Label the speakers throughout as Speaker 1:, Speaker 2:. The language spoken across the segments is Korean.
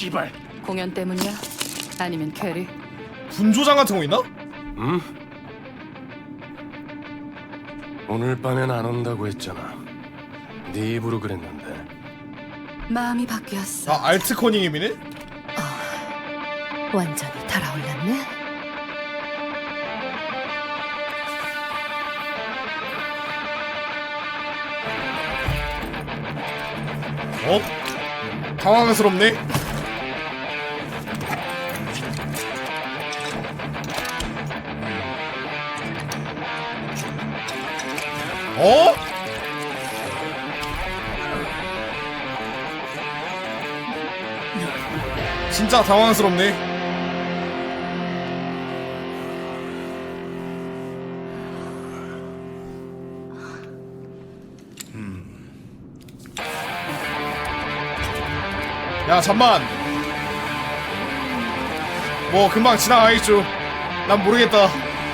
Speaker 1: 씨발.
Speaker 2: 공연 때문이야? 아니면 캐리?
Speaker 3: 분조장 같은 거 있나?
Speaker 1: 응? 오늘 밤엔 안 온다고 했잖아. 네 입으로 그랬는데.
Speaker 2: 마음이 바뀌었어.
Speaker 3: 아 알트 커닝햄이네?
Speaker 2: 완전히 달아올랐네.
Speaker 3: 당황스럽네. 어? 진짜 당황스럽네. 야 잠만. 뭐 금방 지나가겠죠. 난 모르겠다.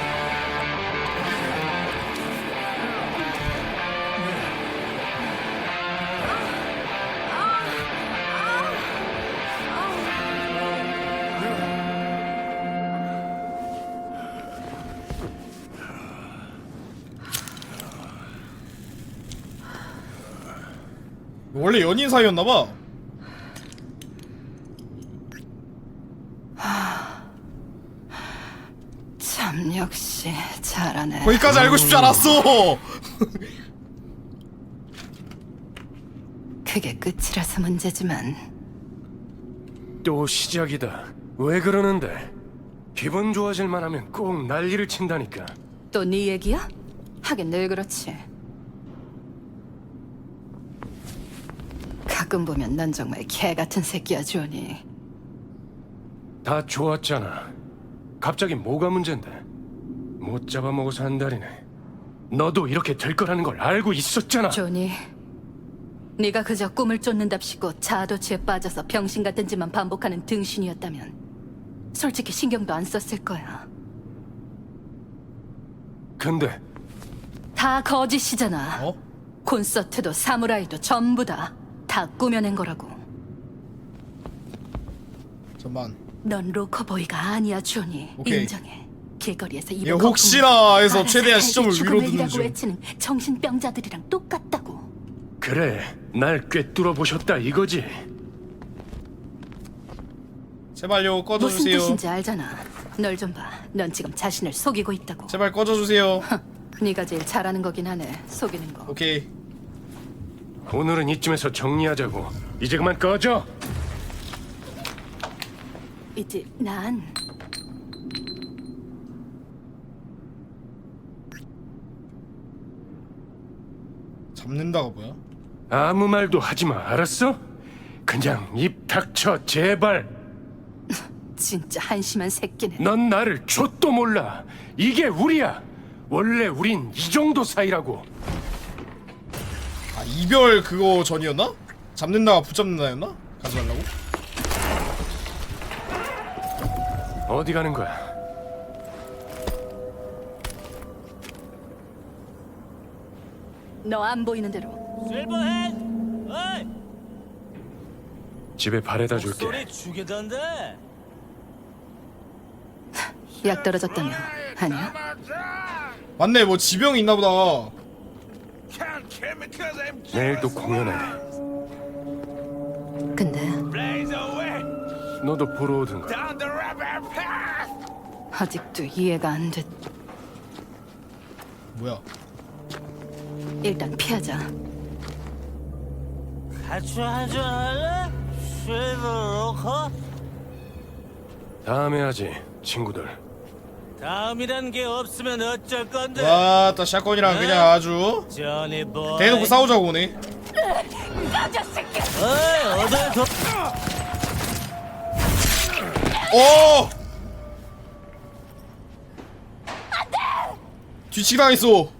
Speaker 3: 원래 연인 사이였나봐.
Speaker 2: 참 역시 잘하네.
Speaker 3: 거기까지 알고 싶지 않았어.
Speaker 2: 그게 끝이라서 문제지만
Speaker 1: 또 시작이다. 왜 그러는데? 기분 좋아질만 하면 꼭 난리를 친다니까.
Speaker 2: 또 네 얘기야? 하긴 늘 그렇지. 가끔 보면 넌 정말 개 같은 새끼야, 조니.
Speaker 1: 다 좋았잖아. 갑자기 뭐가 문제인데? 못 잡아먹어서 한달이네. 너도 이렇게 될 거라는 걸 알고 있었잖아.
Speaker 2: 조니, 네가 그저 꿈을 쫓는답시고 자아도취에 빠져서 병신 같은 짓만 반복하는 등신이었다면 솔직히 신경도 안 썼을 거야.
Speaker 1: 근데
Speaker 2: 다 거짓이잖아.
Speaker 3: 어?
Speaker 2: 콘서트도 사무라이도 전부 다 꾸며낸 거라고.
Speaker 3: 잠만.
Speaker 2: 넌 로커보이가 아니야, 조니.
Speaker 3: 오케이.
Speaker 2: 인정해. 길거리에서
Speaker 3: 얘
Speaker 2: 입을
Speaker 3: 혹시나 해서
Speaker 2: 알아서
Speaker 3: 최대한
Speaker 2: 살기
Speaker 3: 시점을 위로 두는
Speaker 2: 죽음의
Speaker 3: 중.
Speaker 2: 외치는 정신병자들이랑 똑같다고.
Speaker 1: 그래, 날 꿰뚫어 보셨다 이거지.
Speaker 3: 제발요
Speaker 2: 무슨
Speaker 3: 꺼져주세요.
Speaker 2: 뜻인지 알잖아. 널 좀 봐. 넌 지금 자신을 속이고 있다고.
Speaker 3: 제발 꺼져주세요.
Speaker 2: 네가 제일 잘하는 거긴 하네. 속이는 거.
Speaker 3: 오케이.
Speaker 1: 오늘은 이쯤에서 정리하자고. 이제 그만 꺼져.
Speaker 2: 이제 난
Speaker 3: 잡는다가 뭐야?
Speaker 1: 아무 말도 하지 마, 알았어? 그냥 입 닥쳐, 제발.
Speaker 2: 진짜 한심한 새끼네.
Speaker 1: 넌 나를 좆도 몰라. 이게 우리야. 원래 우린 이 정도 사이라고.
Speaker 3: 아 이별 그거 전이었나? 잡는다가 붙잡는다였나? 가지 말라고?
Speaker 1: 어디 가는 거야?
Speaker 2: 너 안 보이는 대로.
Speaker 4: 실버헤드! 어이!
Speaker 1: 집에 바래다 줄게.
Speaker 4: 소리 죽이던데?
Speaker 2: 약 떨어졌다며. 아니야?
Speaker 3: 맞네 뭐 지병이 있나보다.
Speaker 1: 내일 또 공연해.
Speaker 2: 근데
Speaker 1: 너도 보러 오든가.
Speaker 2: 아직도 이해가 안 돼.
Speaker 3: 뭐야?
Speaker 2: 일단 피하자.
Speaker 4: 같이 한잔 할래? 실버 로커?
Speaker 1: 다음에 하지, 친구들.
Speaker 4: 다음이란 게 없으면 어쩔 건데?
Speaker 3: 와따 샷건이랑 그냥 아주
Speaker 4: 저니 보이
Speaker 3: 대놓고 싸우자고 오네.
Speaker 4: 어이 어딜 도...
Speaker 3: 오! 뒤치기 당했어.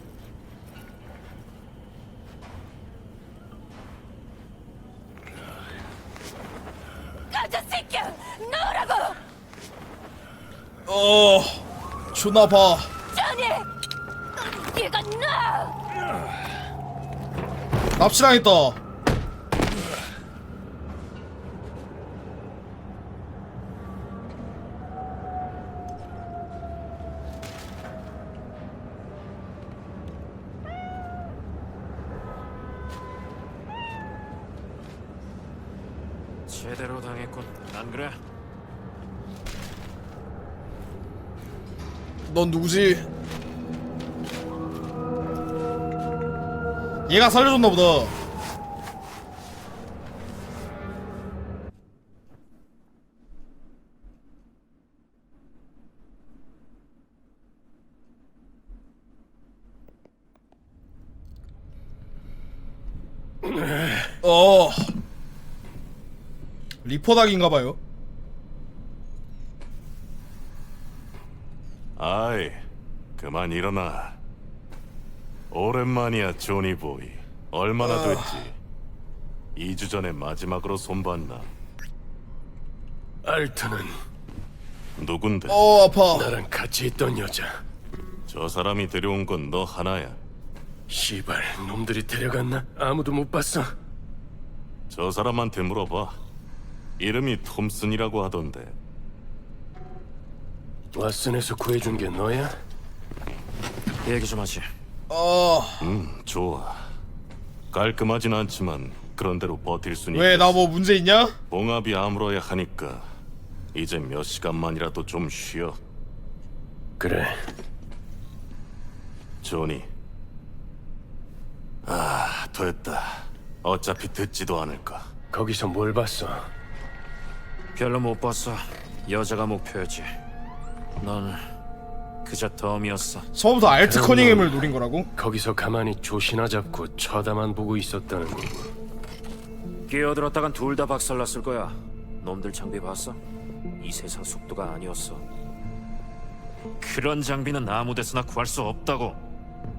Speaker 3: 존나 봐. 납치당했다.
Speaker 5: 제대로 당했군. 안 그래?
Speaker 3: 넌 누구지? 얘가 살려줬나 보다. 어 리포닥인가봐요.
Speaker 6: 아이, 그만 일어나. 오랜만이야, 조니보이. 얼마나 됐지? 2주 전에 마지막으로 손봤나?
Speaker 1: 알트는
Speaker 6: 누군데?
Speaker 3: 아파.
Speaker 1: 나랑 같이 있던 여자.
Speaker 6: 저 사람이 데려온 건 너 하나야.
Speaker 1: 시발, 놈들이 데려갔나? 아무도 못 봤어.
Speaker 6: 저 사람한테 물어봐. 이름이 톰슨이라고 하던데.
Speaker 1: 왓슨에서 구해준 게 너야?
Speaker 5: 얘기 좀 하지.
Speaker 6: 좋아. 깔끔하진 않지만 그런대로 버틸 순
Speaker 3: 왜
Speaker 6: 있겠어.
Speaker 3: 나 뭐 문제 있냐?
Speaker 6: 봉합이 아물어야 하니까 이제 몇 시간만이라도 좀 쉬어.
Speaker 1: 그래.
Speaker 6: 조니. 아, 됐다. 어차피 듣지도 않을까.
Speaker 1: 거기서 뭘 봤어?
Speaker 5: 별로 못 봤어. 여자가 목표였지. 넌 그저 덤이었어.
Speaker 3: 처음부터 알트 커닝햄을 노린 거라고?
Speaker 1: 거기서 가만히 조시나 잡고 쳐다만 보고 있었다는 거고.
Speaker 5: 끼어들었다간 둘 다 박살났을 거야. 놈들 장비 봤어? 이 세상 속도가 아니었어. 그런 장비는 아무 데서나 구할 수 없다고.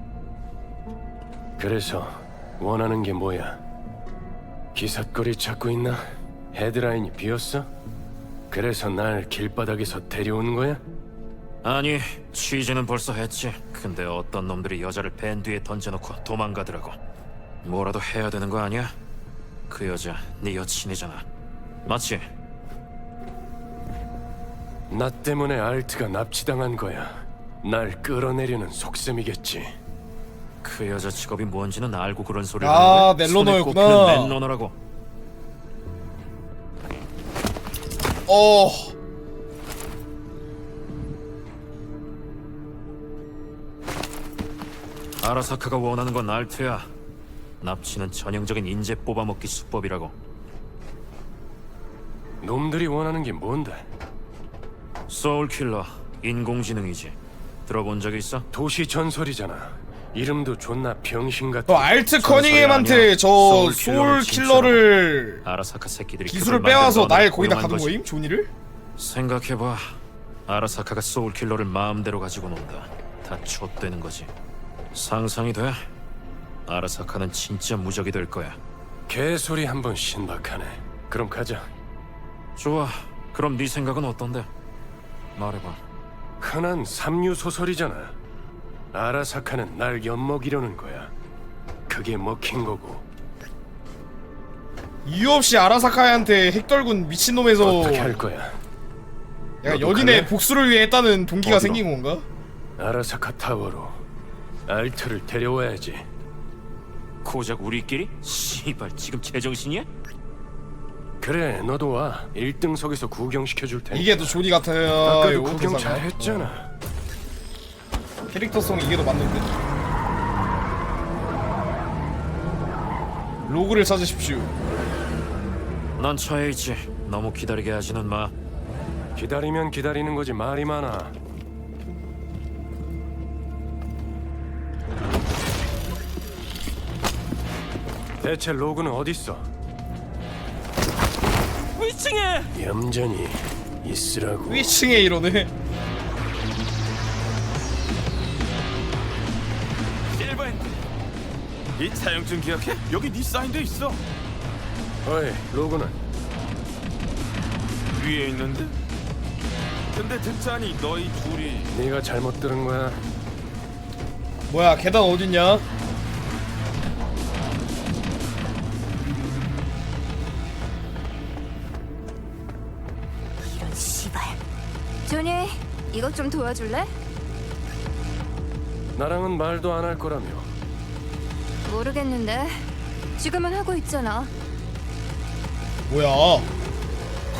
Speaker 1: 그래서 원하는 게 뭐야? 기삿거리 찾고 있나? 헤드라인이 비었어? 그래서 날 길바닥에서 데려오는 거야?
Speaker 5: 아니, 취재는 벌써 했지. 근데 어떤 놈들이 여자를 밴 뒤에 던져놓고 도망가더라고. 뭐라도 해야 되는 거 아니야? 그 여자 네 여친이잖아. 맞지?
Speaker 1: 나 때문에 알트가 납치당한 거야. 날 끌어내려는 속셈이겠지.
Speaker 5: 그 여자 직업이 뭔지는 알고 그런 소리를
Speaker 3: 아,
Speaker 5: 하는 거야?
Speaker 3: 넬로너였구나.
Speaker 5: 손에 꼽히는 넬로너라고.
Speaker 3: 어
Speaker 5: 아라사카가 원하는 건 알트야. 납치는 전형적인 인재 뽑아먹기 수법이라고.
Speaker 1: 놈들이 원하는 게 뭔데?
Speaker 5: 소울킬러, 인공지능이지. 들어본 적 있어?
Speaker 1: 도시 전설이잖아. 이름도 존나 병신 같은.
Speaker 3: 너 알트
Speaker 1: 전설이
Speaker 3: 커닝햄한테
Speaker 1: 아니야.
Speaker 3: 저
Speaker 1: 소울
Speaker 3: 소울
Speaker 1: 킬러를
Speaker 3: 킬러를
Speaker 5: 아라사카 새끼들이
Speaker 3: 기술을
Speaker 5: 그걸
Speaker 3: 빼와서
Speaker 5: 만든
Speaker 3: 날
Speaker 5: 너를
Speaker 3: 거기다
Speaker 5: 고용한
Speaker 3: 가둔
Speaker 5: 거지.
Speaker 3: 거임? 조니를?
Speaker 5: 생각해봐. 아라사카가 소울킬러를 마음대로 가지고 논다. 다 좆되는 거지. 상상이 돼? 아라사카는 진짜 무적이 될 거야.
Speaker 1: 개소리 한번 신박하네. 그럼 가자.
Speaker 5: 좋아. 그럼 네 생각은 어떤데? 말해봐.
Speaker 1: 흔한 삼류 소설이잖아. 아라사카는 날 엿먹이려는 거야. 그게 먹힌 거고.
Speaker 3: 이유 없이 아라사카한테 핵떨군 미친놈에서
Speaker 1: 어떻게 할 거야?
Speaker 3: 약간
Speaker 1: 너도
Speaker 3: 연인의
Speaker 1: 갈래?
Speaker 3: 복수를 위해 했다는 동기가
Speaker 1: 어디로?
Speaker 3: 생긴 건가?
Speaker 1: 아라사카 타워로 알트를 데려와야지.
Speaker 5: 고작 우리끼리? 씨발 지금 제정신이야?
Speaker 1: 그래, 너도 와. 1등석에서 구경시켜줄 테니까.
Speaker 3: 이게 더 조니 같아요.
Speaker 1: 아까도
Speaker 3: 요거
Speaker 1: 구경
Speaker 3: 대사가.
Speaker 1: 잘했잖아.
Speaker 3: 캐릭터성 이게 더 맞는데. 로그를 찾으십시오.
Speaker 5: 난 차에 있지. 너무 기다리게 하지는 마.
Speaker 1: 기다리면 기다리는 거지 말이 많아. 대체 로그는 어딨어?
Speaker 4: 위층에
Speaker 1: 얌전히 있으라고.
Speaker 3: 위층에 이러네.
Speaker 7: 실버핸드, 이 차용증 기억해? 여기 네 사인도 있어.
Speaker 1: 어이, 로그는?
Speaker 7: 위에 있는데? 근데 듣자니 너희 둘이
Speaker 1: 네가 잘못 들은 거야.
Speaker 3: 뭐야 계단 어딨냐?
Speaker 8: 이런 씨발. 조니, 이것 좀 도와줄래?
Speaker 1: 나랑은 말도 안 할 거라며.
Speaker 8: 모르겠는데. 지금은 하고 있잖아.
Speaker 3: 뭐야?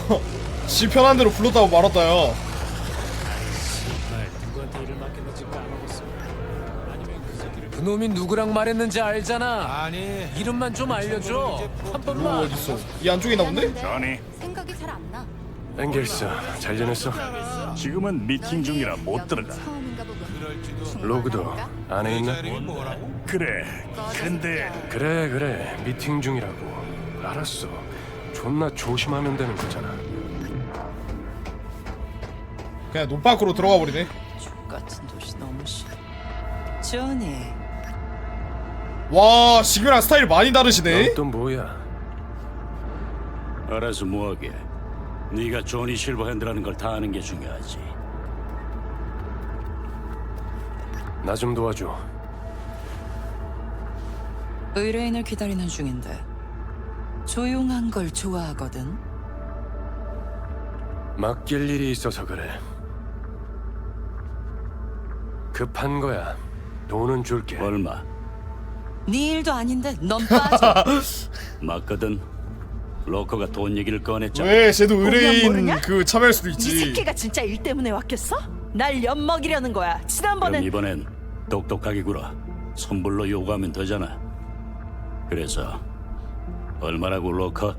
Speaker 3: 지 편한 대로 불렀다고 말았다요.
Speaker 4: 누구한테 일을 맡겼는지 까먹었어. 아니면 그 새끼를
Speaker 9: 그놈이 누구랑 말했는지 알잖아.
Speaker 4: 아니
Speaker 9: 이름만 좀 알려줘. 한
Speaker 3: 로
Speaker 9: 번만.
Speaker 3: 어딨어? 이 안쪽에 있나 본데?
Speaker 8: 저니 생각이 잘 안 나.
Speaker 1: 앵겔스, 잘 지냈어?
Speaker 10: 지금은 미팅 중이라 못 들어가.
Speaker 8: 처음인가 보군.
Speaker 1: 로그도 안에 있나?
Speaker 10: 그래. 근데
Speaker 1: 그래 미팅 중이라고. 알았어. 존나 조심하면 되는 거잖아.
Speaker 3: 그냥 논 밖으로 들어가 버리네.
Speaker 11: 같은 도시 너무 싫어. 조니,
Speaker 3: 와, 지금이랑 스타일 많이 다르시네.
Speaker 1: 넌 또 뭐야?
Speaker 10: 알아서 뭐하게. 네가 조니 실버핸드라는 걸 다 아는 게 중요하지.
Speaker 1: 나 좀 도와줘.
Speaker 11: 의뢰인을 기다리는 중인데 조용한 걸 좋아하거든.
Speaker 1: 맡길 일이 있어서 그래. 급한 거야. 돈은 줄게.
Speaker 10: 얼마?
Speaker 11: 네 일도 아닌데 넌 빠져.
Speaker 10: 맞거든. 로커가 돈 얘기를 꺼냈잖아.
Speaker 3: 왜 쟤도 의뢰인
Speaker 11: 모르냐?
Speaker 3: 그 참여할 수도
Speaker 11: 이
Speaker 3: 있지.
Speaker 11: 새끼가 진짜 일 때문에 왔겠어? 날 엿먹이려는 거야.
Speaker 10: 그럼
Speaker 11: 지난번엔
Speaker 10: 이번엔 똑똑하게 굴어. 선불로 요구하면 되잖아. 그래서 얼마라고 로커?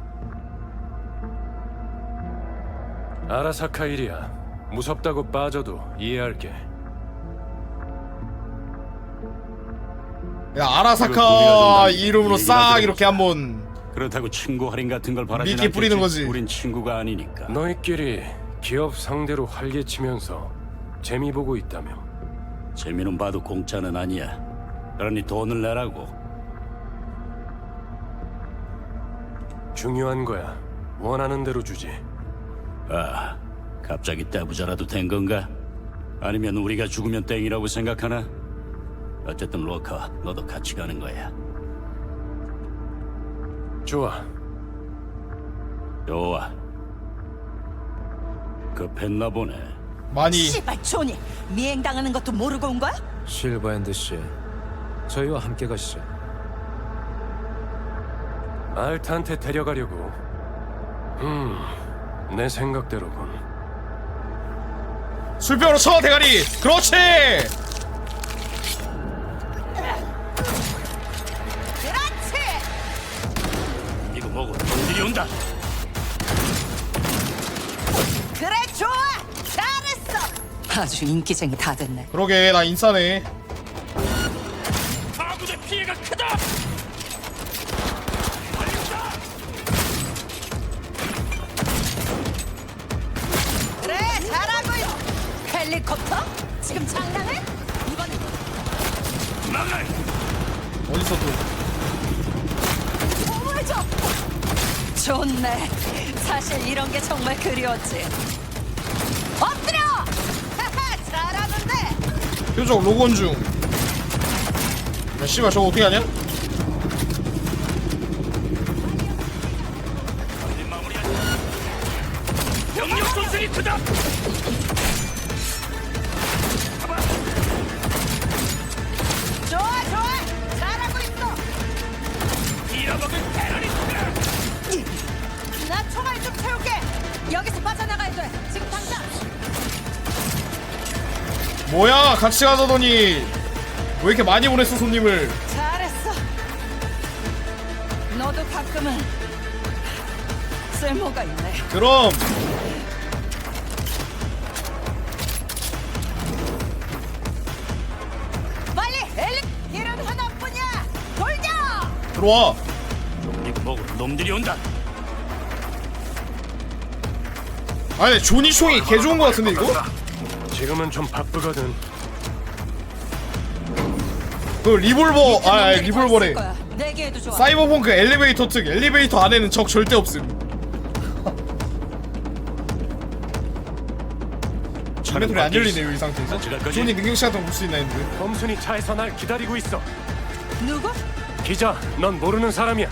Speaker 1: 아라사카 일이야. 무섭다고 빠져도 이해할게.
Speaker 3: 야, 아라사카 이름으로 싹 이렇게 한번
Speaker 10: 그렇다고 친구 할인 같은 걸 바라진
Speaker 3: 미끼
Speaker 10: 않겠지.
Speaker 3: 뿌리는 거지.
Speaker 10: 우린 친구가 아니니까.
Speaker 1: 너희끼리 기업 상대로 활개치면서 재미 보고 있다며.
Speaker 10: 재미는 봐도 공짜는 아니야. 그러니 돈을 내라고.
Speaker 1: 중요한 거야. 원하는 대로 주지.
Speaker 10: 아, 갑자기 떼부자라도 된 건가? 아니면 우리가 죽으면 땡이라고 생각하나? 어쨌든 로커, 너도 같이 가는 거야.
Speaker 1: 좋아.
Speaker 10: 좋아. 급했나 보네.
Speaker 3: 많이.
Speaker 11: 씨발 조니 미행당하는 것도 모르고 온 거야?
Speaker 9: 실버핸드 씨, 저희와 함께 가시죠.
Speaker 1: 알타한테 데려가려고. 내 생각대로군.
Speaker 3: 술병으로 쳐 대가리. 그렇지.
Speaker 10: 이거 뭐고? 돈들이 온다.
Speaker 11: 그래 좋아 잘했어. 아주 인기쟁이 다 됐네.
Speaker 3: 그러게 나 인싸네.
Speaker 10: 아군의 피해가 크다.
Speaker 11: 그래 잘하고 있어. 헬리콥터? 지금 장난해? 이번
Speaker 3: 어디서 또?
Speaker 11: 보호해줘. 좋네. 사실 이런 게 정말 그리웠지. 엎드려. 잘하는데.
Speaker 3: 표적 로건 중. 야, 씨발 저거 어떻게 하냐?
Speaker 10: 병력 손실이 크다.
Speaker 11: 좋아 좋아 잘하고 있어.
Speaker 10: 잃어먹은 테러리스트야.
Speaker 11: 나 총알 좀 채울게. 여기서 빠져나가야 돼. 지금 당장.
Speaker 3: 뭐야, 같이 가자더니 왜 이렇게 많이 보냈어 손님을?
Speaker 11: 잘했어. 너도 가끔은 쓸모가 있네.
Speaker 3: 그럼
Speaker 11: 빨리 헬리. 길은 하나뿐이야. 돌려.
Speaker 3: 들어와.
Speaker 10: 이거 뭐고? 놈들이 온다.
Speaker 3: 아니 조니 총이 개 좋은 거 같은데 이거?
Speaker 1: 지금은 좀 바쁘거든.
Speaker 3: 그 리볼버 리볼버래.
Speaker 11: 내게도 좋아.
Speaker 3: 사이버펑크 엘리베이터 특 엘리베이터 안에는 적 절대 없음. 차례 소리 안 열리네요 이 상태에서.
Speaker 10: 같이 갈 거지?
Speaker 3: 조니 능력치 같은 거 볼 수 있나 했는데.
Speaker 1: 범순이 차에서 날 기다리고 있어.
Speaker 11: 누구?
Speaker 1: 기자, 넌 모르는 사람이야.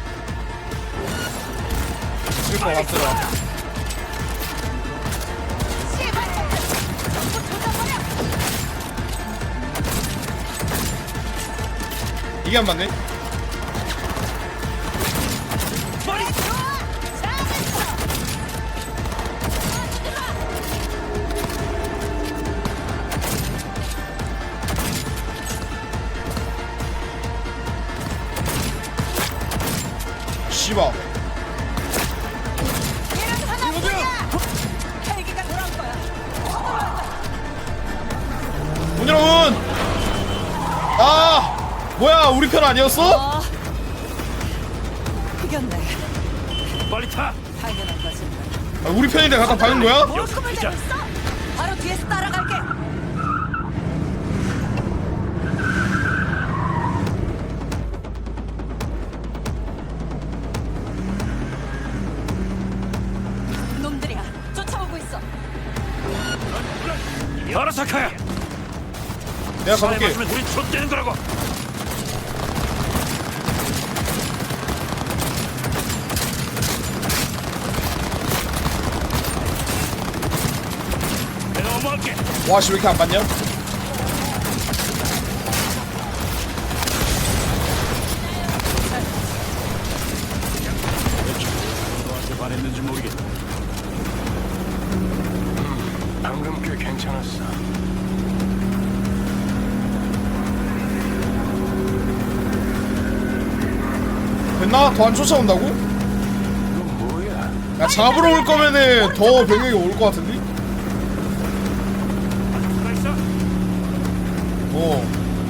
Speaker 3: 슬퍼 왔더라. 이게 안 맞네. 씨발.
Speaker 11: 얘는 하나뿐이야. 헬기가 돌아올 거야.
Speaker 3: 문 열어 문. 아 뭐야 우리 편 아니었어?
Speaker 11: 이겼네.
Speaker 5: 빨리 타.
Speaker 11: 당연한 거지.
Speaker 3: 아, 우리 편인데 갖다 박은 거야?
Speaker 11: 뭘 꿈을 대고 있어? 바로 뒤에서 따라갈게. 놈들이야. 쫓아오고 있어.
Speaker 5: 아라사카야.
Speaker 3: 내가
Speaker 5: 살에
Speaker 3: 가볼게.
Speaker 5: 맞으면 우리 좆되는 거라고. 내가 어머할게.
Speaker 3: 와씨 왜 이렇게 안 봤냐?
Speaker 10: 너한테 반했는지 모르겠다.
Speaker 1: 방금 꽤 괜찮았어.
Speaker 3: 됐나? 더 안 쫓아온다고?
Speaker 1: 이건 뭐야?
Speaker 3: 야 잡으러 올 거면은 더 병력이 올 것 같은데?
Speaker 5: 누가 있어?
Speaker 3: 어.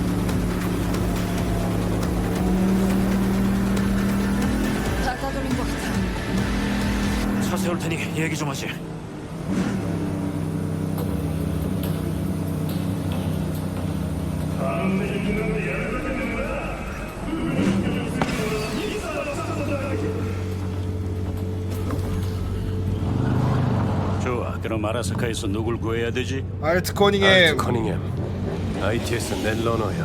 Speaker 2: 다 따돌린 것 같아.
Speaker 5: 차 세울 테니 얘기 좀 하지.
Speaker 10: 좋아. 그럼 아라사카에서 누굴 구해야 되지?
Speaker 3: 알트 커닝햄.
Speaker 1: 알트 커닝햄. ITS 넷러너야.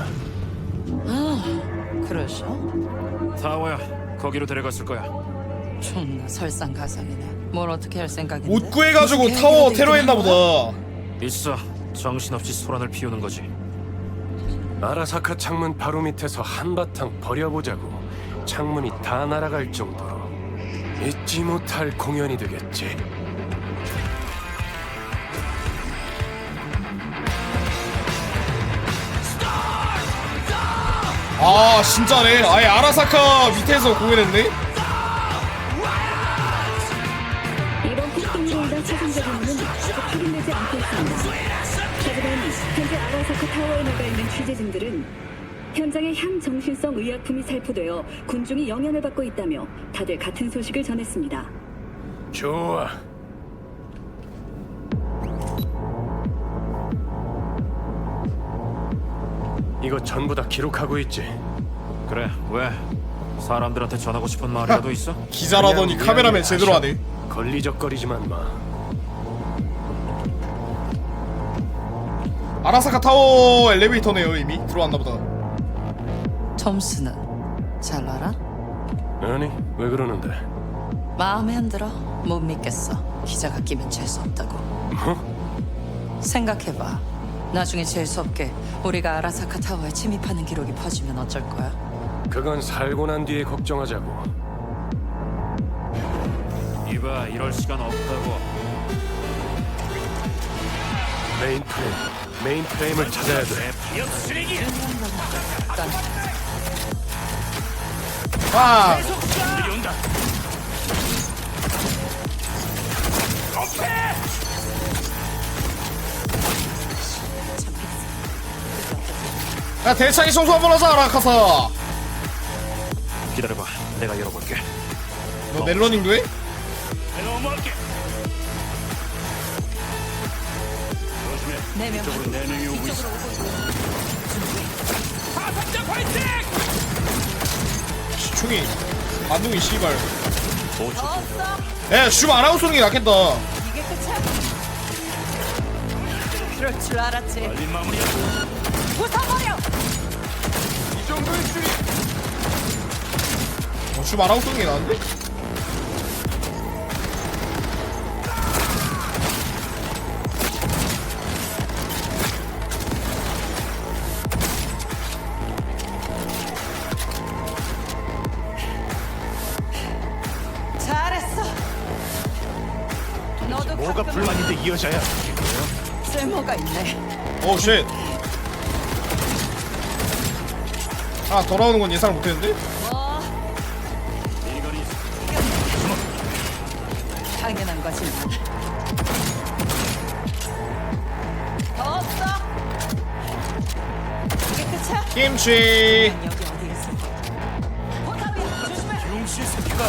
Speaker 11: 그러셔?
Speaker 5: 타워야. 거기로 데려갔을 거야.
Speaker 11: 존나 설상가상이네. 뭘 어떻게 할 생각인데?
Speaker 3: 옷 구해가지고 타워 테러했나 보다.
Speaker 5: 있어. 정신없이 소란을 피우는 거지.
Speaker 1: 아라사카 창문 바로 밑에서 한바탕 버려보자고. 창문이 다 날아갈 정도로 잊지 못할 공연이 되겠지.
Speaker 3: 아 진짜네. 아예 아라사카 밑에서 공연했네.
Speaker 8: 이번 폭동으로 인한 최종적인 원인은 아직 확인되지 않고 있습니다. 하지만 현재 아라사카 타워에 나가 있는 취재진들은 현장에 향정신성 의약품이 살포되어 군중이 영향을 받고 있다며 다들 같은 소식을 전했습니다.
Speaker 1: 좋아. 이거 전부 다 기록하고 있지.
Speaker 5: 그래. 왜? 사람들한테 전하고 싶은 말이라도 있어?
Speaker 3: 기자라더니
Speaker 1: 그냥
Speaker 3: 카메라맨
Speaker 1: 미안해,
Speaker 3: 제대로
Speaker 1: 아셔.
Speaker 3: 하네.
Speaker 1: 걸리적거리지만 마.
Speaker 3: 아라사카 타워 엘리베이터네요. 이미 들어왔나 보다.
Speaker 11: 점수는 잘 알아?
Speaker 1: 아니, 왜 그러는데?
Speaker 11: 마음에 안 들어? 못 믿겠어. 기자가 끼면 재수 없다고.
Speaker 1: 뭐?
Speaker 11: 생각해봐. 나중에 재수 없게 우리가 아라사카 타워에 침입하는 기록이 퍼지면 어쩔 거야?
Speaker 1: 그건 살고 난 뒤에 걱정하자고.
Speaker 5: 이봐, 이럴 시간 없다고.
Speaker 1: 메인 프레임을 찾아야 돼.
Speaker 5: 기억 쓰레기!
Speaker 3: 아
Speaker 5: 우리 온다.
Speaker 3: 야 대창이 청소 한번 하자 아라카사.
Speaker 5: 기다려봐. 내가 열어볼게.
Speaker 3: 너 넬러닝도 해?
Speaker 5: 내가 어머할게.
Speaker 11: 네 명.
Speaker 10: 이쪽으로 4명이 오고 있어.
Speaker 3: 시충이 반동이 씨발.
Speaker 11: 없어.
Speaker 3: 야 슈 아나운서 쏘는 게 낫겠다.
Speaker 11: 이게 끝이야. 그럴 줄 알았지.
Speaker 5: 빨리 마무리야.
Speaker 11: 부숴버려.
Speaker 3: 슈 아나운서 쏘는 게 나은데?
Speaker 11: 잘했어. 너도
Speaker 1: 뭐가
Speaker 11: 가끔
Speaker 1: 불만인데 이 여자야?
Speaker 11: 쓸모가 있네.
Speaker 3: 오 쉣. 아 돌아오는 건 예상 못했는데?
Speaker 11: 뭐?
Speaker 10: 이건이
Speaker 11: 당연한 거지. 더 없어. 이게 끝이야?
Speaker 3: 김치.
Speaker 11: 여기 어디에 있어? 포탑이야. 조심해.
Speaker 7: 용씨 새끼가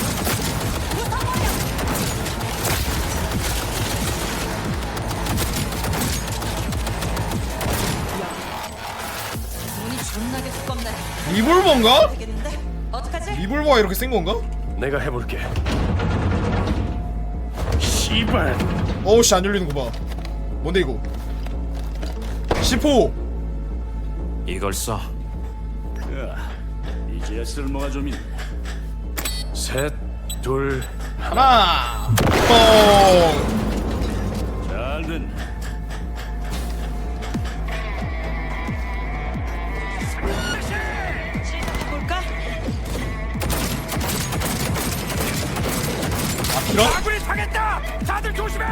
Speaker 11: 눈이 존나게 두껍네.
Speaker 3: 리볼버인가?
Speaker 11: 되겠는데? 어떡하지?
Speaker 3: 리볼버가 이렇게 센 건가?
Speaker 1: 내가 해볼게. 씨발.
Speaker 3: 어우씨 안 열리는 거 봐. 뭔데 이거? 10호.
Speaker 5: 이걸 써.
Speaker 10: 야, 이제야 쓸모가 좀 있네.
Speaker 1: 셋, 둘,
Speaker 3: 하나. 뻥.
Speaker 10: 잘 됐네.
Speaker 11: 볼까?
Speaker 3: 이런.
Speaker 7: 아군이 당했다. 다들 조심해.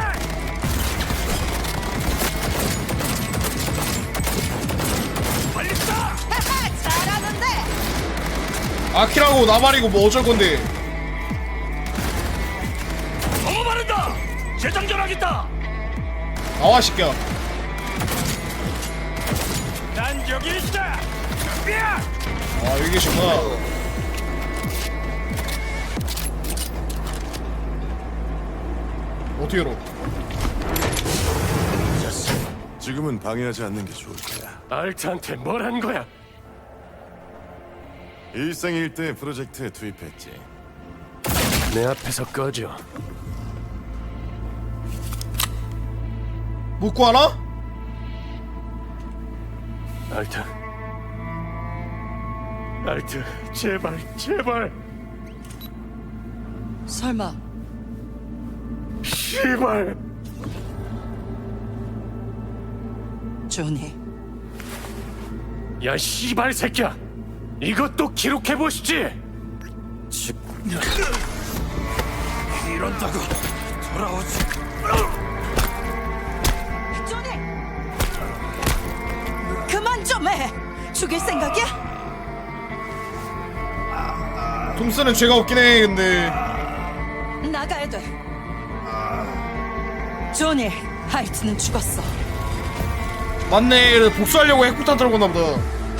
Speaker 7: 빨리 쏴.
Speaker 11: 잘하는데.
Speaker 3: 아키라고 나발이고 뭐 어쩔 건데?
Speaker 7: 너무 바른다. 재장전하겠다.
Speaker 3: 나와 시켜.
Speaker 7: 난 여기 있다. 준비야.
Speaker 3: 아 여기 계시구나. 어떻게 열어?
Speaker 6: 지금은 방해하지 않는 게 좋을 거야.
Speaker 1: 알트한테 뭘 한 거야?
Speaker 6: 일생일대 프로젝트에 투입했지.
Speaker 1: 내 앞에서 꺼져.
Speaker 3: 묻고 하나?
Speaker 1: 알트. 알트, 제발, 제발.
Speaker 11: 설마
Speaker 1: 씨발.
Speaker 11: 조니.
Speaker 1: 야, 씨발 새끼야. 이것도 기록해 보시지.
Speaker 7: 이런다고 돌아오지.
Speaker 11: 조니. 그만 좀 해. 죽일 생각이야?
Speaker 3: 톰스는 죄가 없긴 해 근데.
Speaker 11: 나가야 돼. 조니, 하이트는 죽었어.
Speaker 3: 맞네. 그래서 복수하려고 핵폭탄 들어갔나 보다.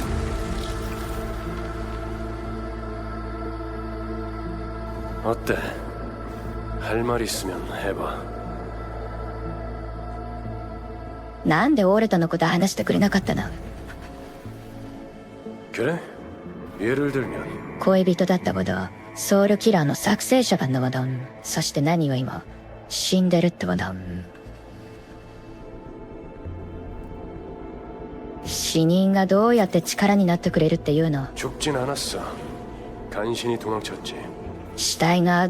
Speaker 1: 어때? 할 말 있으면 해봐.
Speaker 8: なんでオーレタのこと話してくれなかったの？
Speaker 1: 그래? 예를 들면
Speaker 8: 恋人だったボド、ソウルキラーの作成者版のボドン、そして何よりも死んでるってボドン。死人がどうやって力になってくれるっていうの？
Speaker 1: 죽진 않았어. 간신히 도망쳤지.
Speaker 8: 死体があった。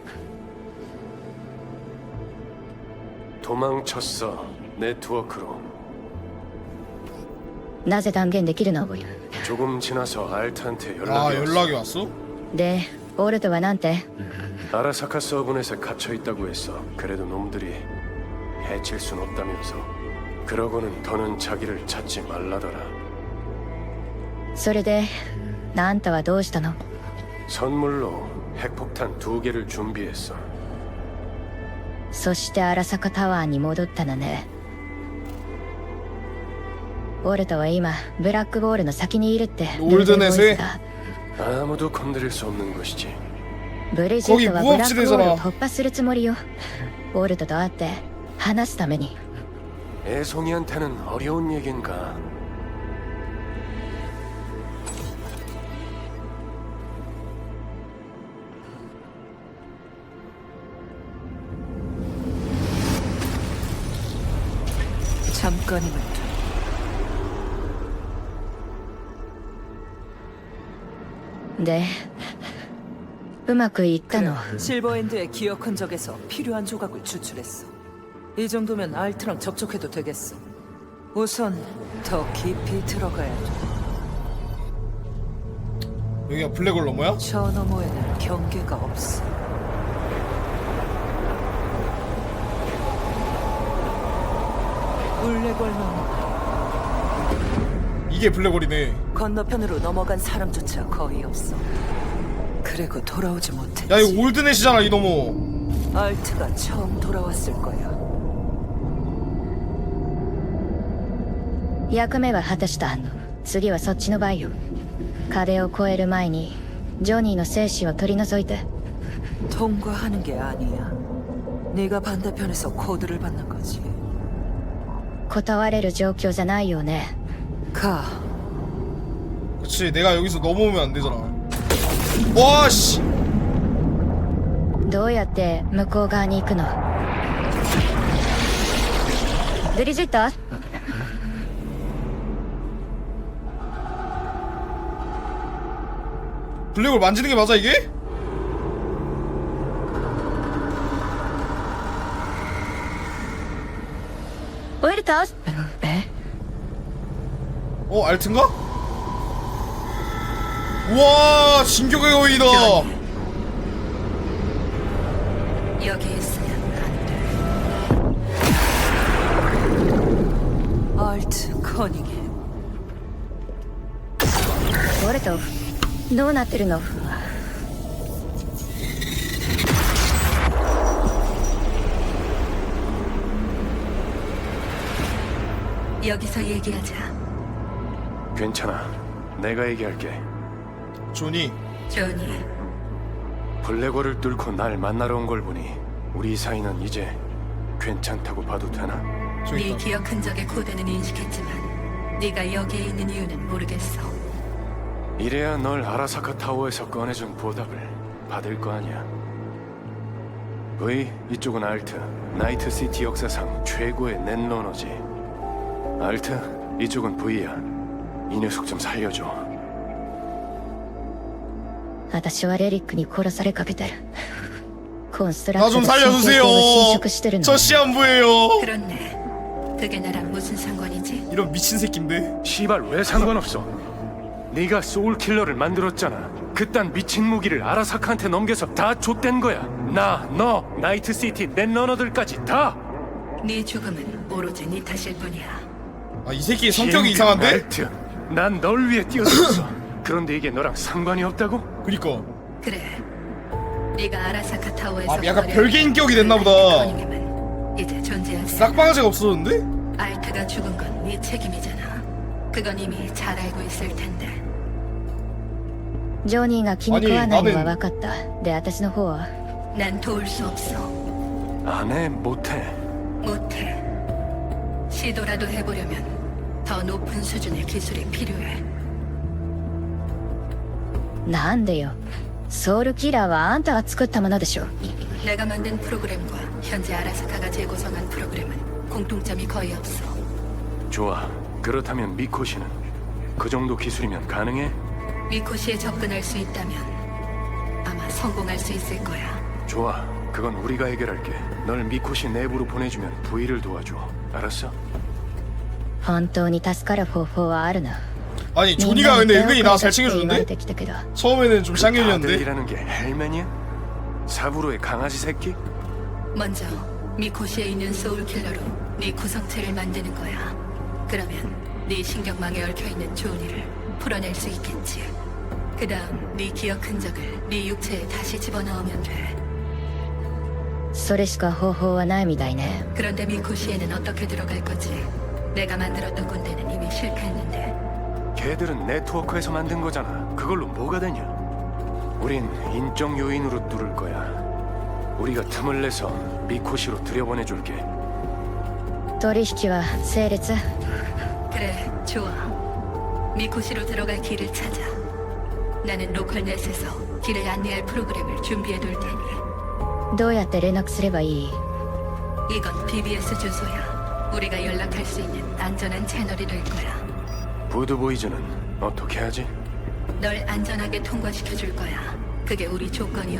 Speaker 1: 도망쳤어. 네트워크로.
Speaker 8: なぜ断言できるの？
Speaker 1: 조금 지나서 알트한테
Speaker 3: 아
Speaker 1: 연락이 왔어.
Speaker 3: 연락이 왔어?
Speaker 8: で、オールトはなんて？
Speaker 1: 아라사카 서브넷에 갇혀 있다고 했어. 그래도 놈들이 해칠 순 없다면서. 그러고는 더는 자기를 찾지 말라더라.
Speaker 8: それで、あんたはどうしたの？
Speaker 1: 선물로 핵폭탄 2개를 준비했어.
Speaker 8: そして荒坂タワーに戻ったのね。オールトは今ブラックボールの先にいるって。
Speaker 3: 롤드넷에
Speaker 1: 아무도 건드릴 수 없는 것이지.
Speaker 8: ブリジットはブラックボールを突破するつもりよ。オールトと会って話すために。
Speaker 1: 애송이한테는 어려운 얘긴가.
Speaker 11: 잠깐이면 돼.
Speaker 8: 네. うまくいったの？
Speaker 11: 실버엔드의 기억 흔적에서 필요한 조각을 추출했어. 이 정도면 알트랑 접촉해도 되겠어. 우선 더 깊이 들어가야 돼.
Speaker 3: 여기가 블랙홀 너머야?
Speaker 11: 저 너머에는 경계가 없어. 블랙홀 너머.
Speaker 3: 이게 블랙홀이네.
Speaker 11: 건너편으로 넘어간 사람조차 거의 없어. 그리고 돌아오지 못했지.
Speaker 3: 야 이거 올드넷이잖아 이 너머.
Speaker 11: 알트가 처음 돌아왔을 거야.
Speaker 8: 役目は果たした。次はそっちの番よ。壁を越える前にジョニーの精子を取り除いて。
Speaker 11: 통과하는 게 아니야. 네가 반대편에서 코드를 받는 거지.
Speaker 8: 断れる状況じゃないよね。
Speaker 11: 가.
Speaker 3: 그치, 내가 여기서 넘어오면 안 되잖아. 와, 씨!
Speaker 8: どうやって向こう側に行くの？ブリジット？
Speaker 3: 블랙홀 만지는 게 맞아, 이게?
Speaker 8: 오히려
Speaker 3: 어, 알트인가? 우와, 진격의 거인이다.
Speaker 2: 여기 있으면 안 돼.
Speaker 11: 알트 커닝해.
Speaker 8: 俺とどうなってるの？
Speaker 2: 여기서 얘기하자.
Speaker 1: 괜찮아. 내가 얘기할게.
Speaker 3: 조니.
Speaker 2: 조니,
Speaker 1: 블랙홀을 뚫고 날 만나러 온 걸 보니 우리 사이는 이제 괜찮다고 봐도 되나?
Speaker 3: 저기
Speaker 2: 네
Speaker 3: 있다.
Speaker 2: 기억 흔적의 코드는 인식했지만 네가 여기에 있는 이유는 모르겠어.
Speaker 1: 이래야 널 아라사카 타워에서 꺼내준 보답을 받을 거 아니야. 이쪽은 알트, 나이트시티 역사상 최고의 넷러너지. 알트, 이쪽은 V야. 이 녀석 좀 살려줘.
Speaker 8: 私はレリックに殺されかけてる。コンストラ
Speaker 3: 나
Speaker 8: クト
Speaker 3: 좀
Speaker 8: で神経
Speaker 3: 살려주세요.
Speaker 8: 系が侵食してるの。
Speaker 3: 저 시한부예요.
Speaker 2: 그렇네. 그게 나랑 무슨 상관이지?
Speaker 3: 이런 미친 새끼인데.
Speaker 1: 시발 왜 상관없어? 네가 소울킬러를 만들었잖아. 그딴 미친 무기를 아라사카한테 넘겨서 다 좆된 거야. 나, 너, 나이트시티 넷러너들까지 다.
Speaker 2: 네 죽음은 오로지 네 탓일 뿐이야.
Speaker 3: 아, 이 새끼 성격이 이상한데?
Speaker 1: 알트, 난 널 위해 뛰어들었어. 그런데 이게 너랑 상관이 없다고?
Speaker 3: 그니까.
Speaker 2: 그래. 네가 아라사카 타워에서
Speaker 3: 아, 약간 별개 인격이 됐나 보다.
Speaker 2: 커닝햄은 이제 존재하지.
Speaker 3: 싹바가지가 없어졌는데?
Speaker 2: 알트가 죽은 건 네 책임이잖아. 그건 이미 잘 알고 있을 텐데.
Speaker 8: ジョニーが気に食わないのは分かった。で、私の方は
Speaker 2: 난 도울 수 없어.
Speaker 1: 안 해, 못해.
Speaker 2: 못해. 시도라도 해보려면 더 높은 수준의 기술이 필요해.
Speaker 8: なんでよ。ソウルキラーはあんたが作ったものでしょ。
Speaker 2: 내가 만든 프로그램과 현재 아라사카가 재구성한 프로그램은 공통점이 거의 없어.
Speaker 1: 좋아. 그렇다면 미코시는 그 정도 기술이면 가능해?
Speaker 2: 미코시에 접근할 수 있다면 아마 성공할 수 있을 거야.
Speaker 1: 좋아. 그건 우리가 해결할게. 널 미코시 내부로 보내주면 V를 도와줘. 알았어?
Speaker 8: 本当に助かる方法はあるな。
Speaker 3: 아니, 조니가 근데 은근히 나 잘
Speaker 8: 言わ
Speaker 3: 챙겨주는데?
Speaker 8: れてきたけど。
Speaker 3: 처음에는 좀 쌍년이었는데?
Speaker 1: 아들이라는 게 헬맨이야? 사부로의 강아지 새끼?
Speaker 2: 먼저 미코시에 있는 소울킬러로 네 구성체를 만드는 거야. 그러면 네 신경망에 얽혀있는 조니를 풀어낼 수 있겠지. 그 다음 네 기억 흔적을 네 육체에 다시 집어넣으면 돼.
Speaker 8: それしか方法はないみたいね。
Speaker 2: 그런데 미코시에는 어떻게 들어갈 거지? 내가 만들었던 군대는 이미 실패했는데.
Speaker 1: 걔들은 네트워크에서 만든 거잖아. 그걸로 뭐가 되냐? 우린 인적 요인으로 뚫을 거야. 우리가 틈을 내서 미코시로 들여보내줄게.
Speaker 8: 取引は成立。
Speaker 2: 그래, 좋아. 미코시로 들어갈 길을 찾아. 나는 로컬넷에서 길을 안내할 프로그램을 준비해둘 테니.
Speaker 8: どうやって連絡すればいい？
Speaker 2: 이건 BBS 주소야. 우리가 연락할 수 있는 안전한 채널이 될 거야.
Speaker 1: 부드보이즈는 어떻게 하지?
Speaker 2: 널 안전하게 통과시켜줄 거야. 그게 우리 조건이었어.